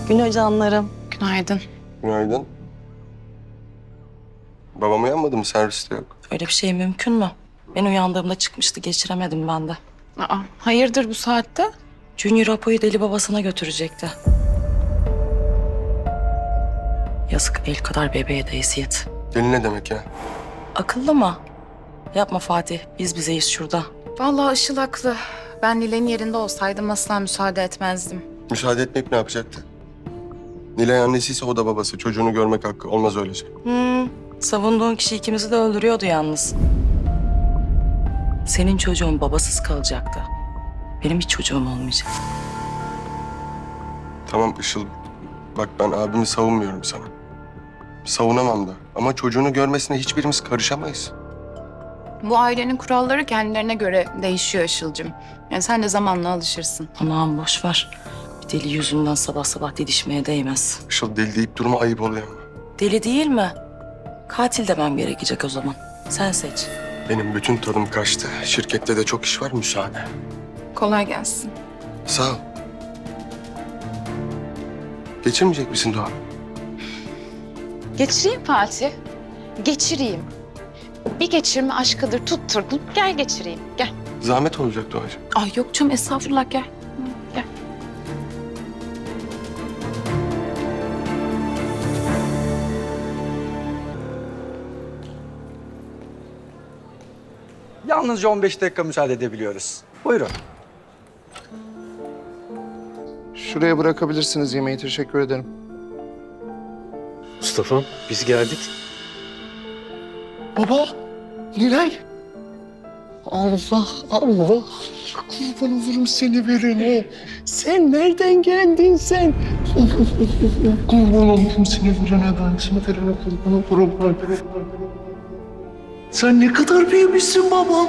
Günaydın canlarım. Günaydın. Günaydın. Babam uyanmadı mı? Serviste yok. Öyle bir şey mümkün mü? Ben uyandığımda çıkmıştı, geçiremedim ben de. Aa, hayırdır bu saatte? Junior Apo'yu deli babasına götürecekti. Yazık, el kadar bebeğe de eziyet. Deli ne demek ya? Akıllı mı? Yapma Fatih, biz bizeyiz şurada. Vallahi Işıl haklı. Ben Nilay'ın yerinde olsaydım asla müsaade etmezdim. Müsaade etmeyip ne yapacaktı? Nilay annesiyse o da babası. Çocuğunu görmek hakkı. Olmaz öyle şey. Savunduğun kişi ikimizi de öldürüyordu yalnız. Senin çocuğun babasız kalacaktı. Benim hiç çocuğum olmayacak. Tamam Işıl. Bak ben abimi savunmuyorum sana. Savunamam da. Ama çocuğunu görmesine hiçbirimiz karışamayız. Bu ailenin kuralları kendilerine göre değişiyor Işıl'cığım. Yani sen de zamanla alışırsın. Aman boş ver. Bir deli yüzünden sabah sabah didişmeye değmez. Işıl deli deyip durma, ayıp oluyor ama. Deli değil mi? Katil demem gerekecek o zaman. Sen seç. Benim bütün tadım kaçtı. Şirkette de çok iş var, müsaade. Kolay gelsin. Sağ ol. Geçirmeyecek misin Doğa? Geçireyim Fatih. Geçireyim. Bir geçirme aşkıdır tutturdun. Gel geçireyim. Gel. Zahmet olacak Doğacığım. Ay yok canım estağfurullah gel. Gel. Yalnızca 15 dakika müsaade edebiliyoruz. Buyurun. Şuraya bırakabilirsiniz yemeği. Teşekkür ederim. Mustafa, biz geldik. Baba, Nilay. Allah, Allah. Kurban olurum seni verene. Sen nereden geldin sen? Kurban olurum seni verene ben. Seni verene kurban olurum. Sen ne kadar büyümüşsün babam.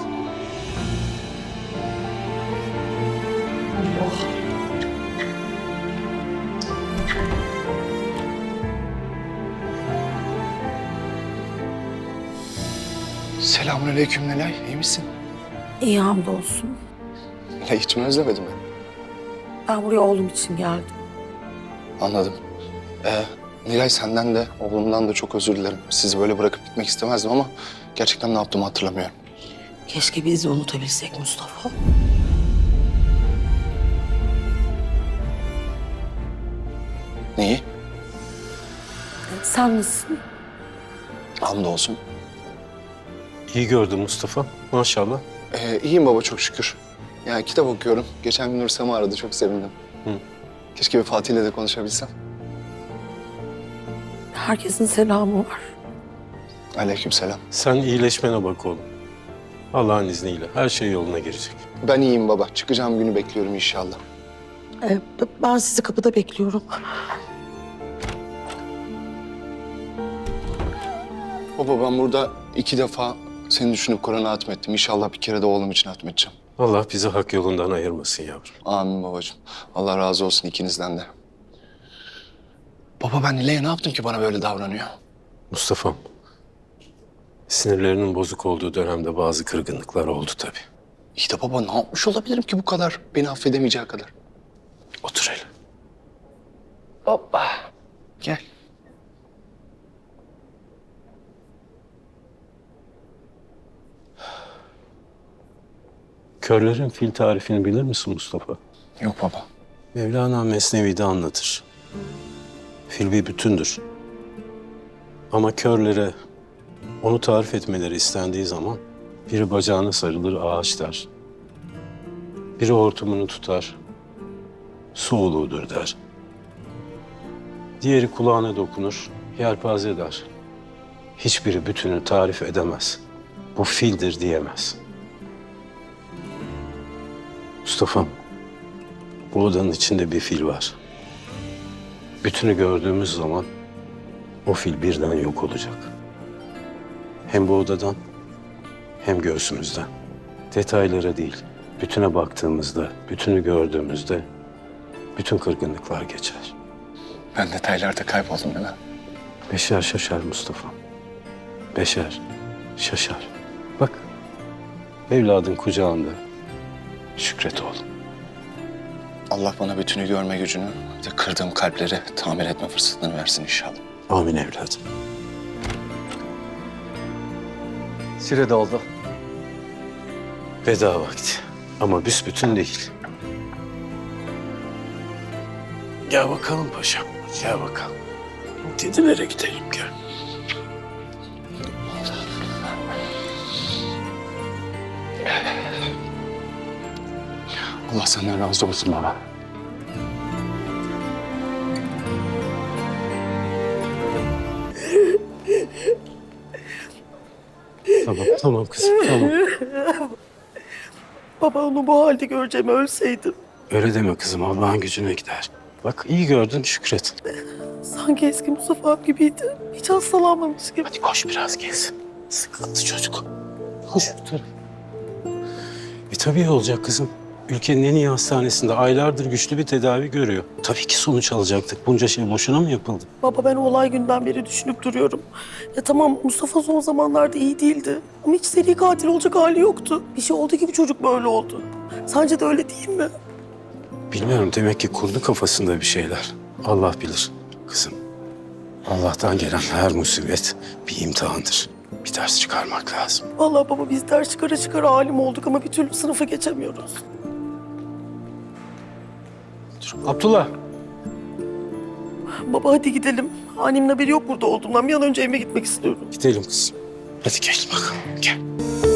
Selamünaleyküm Nilay. İyi misin? İyi hamdolsun. Nilay hiç mi özlemedin beni? Ben buraya oğlum için geldim. Anladım. Nilay senden de oğlumdan da çok özür dilerim. Sizi böyle bırakıp gitmek istemezdim ama gerçekten ne yaptığımı hatırlamıyorum. Keşke biz de unutabilsek Mustafa. Neyi? Sen nasılsın? Hamdolsun. İyi gördün Mustafa, maşallah. İyiyim baba çok şükür. Ya kitap okuyorum. Geçen gün Nursema aradı. Çok sevindim. Hı. Keşke bir Fatih'le de konuşabilsem. Herkesin selamı var. Aleykümselam. Sen iyileşmene bak oğlum. Allah'ın izniyle her şey yoluna girecek. Ben iyiyim baba. Çıkacağım günü bekliyorum inşallah. Ben sizi kapıda bekliyorum. Baba ben burada 2 defa seni düşünüp Kur'an'a hatmettim. İnşallah bir kere de oğlum için hatmedeceğim. Allah bizi hak yolundan ayırmasın yavrum. Amin babacığım. Allah razı olsun ikinizden de. Baba ben Nilay'a ne yaptım ki bana böyle davranıyor? Mustafa'm, sinirlerinin bozuk olduğu dönemde bazı kırgınlıklar oldu tabii. İyi de baba ne yapmış olabilirim ki bu kadar? Beni affedemeyeceği kadar. Otur hele. Hoppa. Gel. Körlerin fil tarifini bilir misin Mustafa? Yok baba. Mevlana Mesnevi'de anlatır. Fil bir bütündür. Ama körlere onu tarif etmeleri istendiği zaman biri bacağına sarılır ağaç der. Biri hortumunu tutar, su oluğudur der. Diğeri kulağına dokunur, yelpaze der. Hiçbiri bütünü tarif edemez. Bu fildir diyemez. Mustafa'm, bu odanın içinde bir fil var. Bütünü gördüğümüz zaman o fil birden yok olacak. Hem bu odadan hem göğsümüzden. Detaylara değil, bütüne baktığımızda, bütünü gördüğümüzde bütün kırgınlıklar geçer. Ben detaylarda kayboldum değil mi? Beşer şaşar Mustafa. Beşer şaşar. Bak, evladın kucağında. Şükret oğlum. Allah bana bütünü görme gücünü, bir de kırdığım kalpleri tamir etme fırsatını versin inşallah. Amin evladım. Süre doldu. Veda vakti. Ama büsbütün değil. Gel bakalım paşam. Gel bakalım. Kedilere gidelim gel. Allah senden razı olsun baba. Tamam kızım, tamam. Baba onu bu halde göreceğim ölseydim. Öyle deme kızım, Allah'ın gücüne gider. Bak iyi gördün, şükret. Sanki eski Mustafa gibiydi. Hiç hastalanmamış gibi. Hadi koş biraz gez. Sıkıntı çocuk. Koş bu tarafa. Tabii iyi olacak kızım. Ülkenin en iyi hastanesinde aylardır güçlü bir tedavi görüyor. Tabii ki sonuç alacaktık. Bunca şey boşuna mı yapıldı? Baba ben o olay günden beri düşünüp duruyorum. Ya tamam Mustafa son zamanlarda iyi değildi. Ama hiç seri katil olacak hali yoktu. Bir şey oldu ki bu çocuk böyle oldu. Sence de öyle değil mi? Bilmiyorum, demek ki kurdu kafasında bir şeyler. Allah bilir kızım. Allah'tan gelen her musibet bir imtihandır. Bir ders çıkarmak lazım. Vallahi baba biz ders çıkara çıkara alim olduk ama bir türlü sınıfa geçemiyoruz. Abdullah. Baba hadi gidelim. Annemin haberi yok burada olduğumdan. Bir an önce evime gitmek istiyorum. Gidelim kızım. Hadi gel bakalım, gel.